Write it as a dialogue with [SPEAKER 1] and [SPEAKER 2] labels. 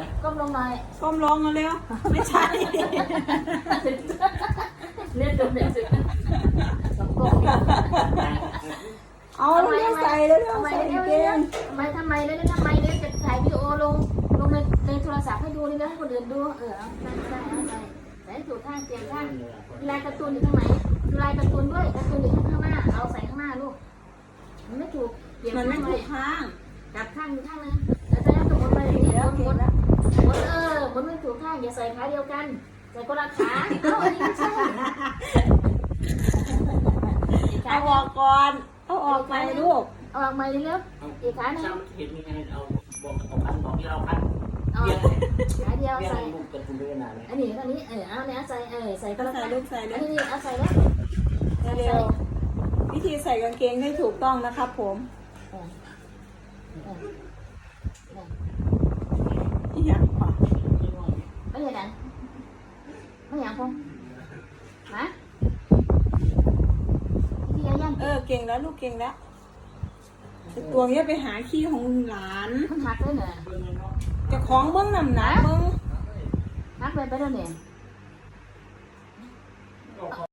[SPEAKER 1] ก้มลงหน่อย
[SPEAKER 2] ก้มลงเอาเร็วไม่ใช่
[SPEAKER 1] เรียกตัวเด็กสิสองก้ม
[SPEAKER 2] เอาเร็วใส่เร็วใส่เกง
[SPEAKER 1] ทำไมเดี๋ยวจะถ่ายวิดีโอลงในโทรศัพท์ให้ดูนี่นะให้คนอื่นดูเอาใส่ถูกข้างเตียงข้างลายการ์ตูนอยู่ตรงไหนลายการ์ตูนด้วยการ์ตูนอยู่ข้างหน้าเอาใส่ข้างหน้าลูกมันไม่ถูกเปลี่ยน
[SPEAKER 2] มันไม่
[SPEAKER 1] ข้าง
[SPEAKER 2] ถู
[SPEAKER 1] เลย
[SPEAKER 2] กข้าง
[SPEAKER 1] กลับข้างข้างนึงแล้วจะให้สมมติไปอย่างนี้หมุนมันไม่ถูกข้างอย่าใส่ขาเดียวกันใส่คนละขาอันนี้ไม่ใช่
[SPEAKER 2] เอาออกก่อนเอาออกไปลูก
[SPEAKER 1] เอาออกมาเร็วๆอีกขาหนึ่ง
[SPEAKER 3] เห็นมีใครเอาบอกที่เราพัน
[SPEAKER 1] เอาขาเดียว
[SPEAKER 3] เรียก
[SPEAKER 1] ใส่
[SPEAKER 3] ลูกเป็นคุณด้วยนานเลย
[SPEAKER 1] อันนี้เอาเนี่ยใส่ใส่
[SPEAKER 2] ก็ใส่ลูกใส่
[SPEAKER 1] อัน
[SPEAKER 2] เร็ว
[SPEAKER 1] นี้เอาใส่แล้ว
[SPEAKER 2] เร็ววิธีใส่กางเกงให้ถูกต้องนะครับผมที่อยากขวา
[SPEAKER 1] ไม่เห็นอ่ะไม่เห็นพงมาที่ยัง
[SPEAKER 2] เก่งแล้วลูกเก่งแล้วตัวนี้ไปหาขี้ของหลาน
[SPEAKER 1] มันหักเลยเนี่ย
[SPEAKER 2] จะคล้องเบิ้งน้ำหนักเบิ้ง
[SPEAKER 1] หักเลยไปแล้วเนี่ย